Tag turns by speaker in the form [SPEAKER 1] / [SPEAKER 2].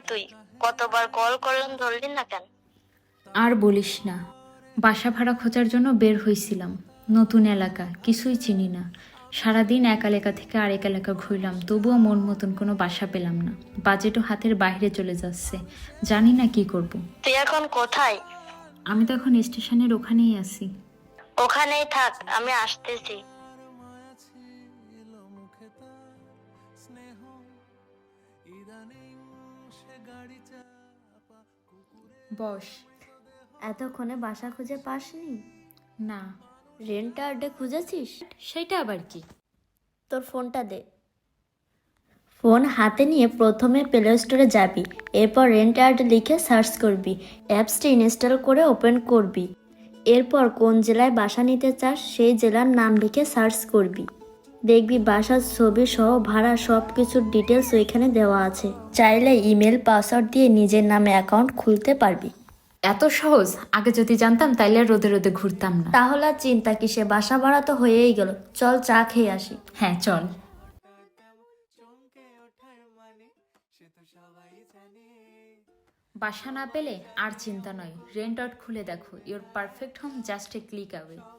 [SPEAKER 1] তুই? কতবার কল করলাম, ধরলি না কেন?
[SPEAKER 2] আর বলিস না, বাসা ভাড়া খোঁজার জন্য বের হইছিলাম। নতুন এলাকা, কিছুই চিনি না। সারাদিন এক এলাকা থেকে আরেক এলাকা ঘুরলাম, তবুও মন মতন কোনো বাসা পেলাম না। বাজেটও হাতের বাইরে চলে যাচ্ছে, জানি না কি করব।
[SPEAKER 1] তুই এখন কোথায়?
[SPEAKER 2] আমি তো এখন স্টেশনের ওখানেই আছি।
[SPEAKER 1] ওখানেই থাক, আমি আসতেছি।
[SPEAKER 2] বস।
[SPEAKER 3] এতক্ষণে বাসা খুঁজে পাসনি?
[SPEAKER 2] না।
[SPEAKER 3] রেন্টারডে খুঁজেছিস?
[SPEAKER 2] সেটা আবার কি?
[SPEAKER 3] তোর ফোনটা দে। ফোন হাতে নিয়ে প্রথমে প্লে স্টোরে যাবি, এরপর রেন্টারড লিখে সার্চ করবি, অ্যাপসটি ইনস্টল করে ওপেন করবি। এরপর কোন জেলায় বাসা নিতে চাস সেই জেলার নাম লিখে সার্চ করবি। দেখবি বাসার ছবি সহ ভাড়া সব কিছুর ডিটেলস ওইখানে দেওয়া আছে। চাইলে ইমেল পাসওয়ার্ড দিয়ে নিজের নামে অ্যাকাউন্ট খুলতে পারবি।
[SPEAKER 2] এত সহজ? আগে যদি জানতাম তাইলে আর রোদে রোদে ঘুরতাম না।
[SPEAKER 3] তাহলে আর চিন্তা কিসে, বাসা ভাড়া তো হয়েই গেল। চল চা খেয়ে আসি।
[SPEAKER 2] হ্যাঁ চল। বাসা না পেলে আর চিন্তা নয়, রেন্ট আউট খুলে দেখো। Your perfect home just a click away.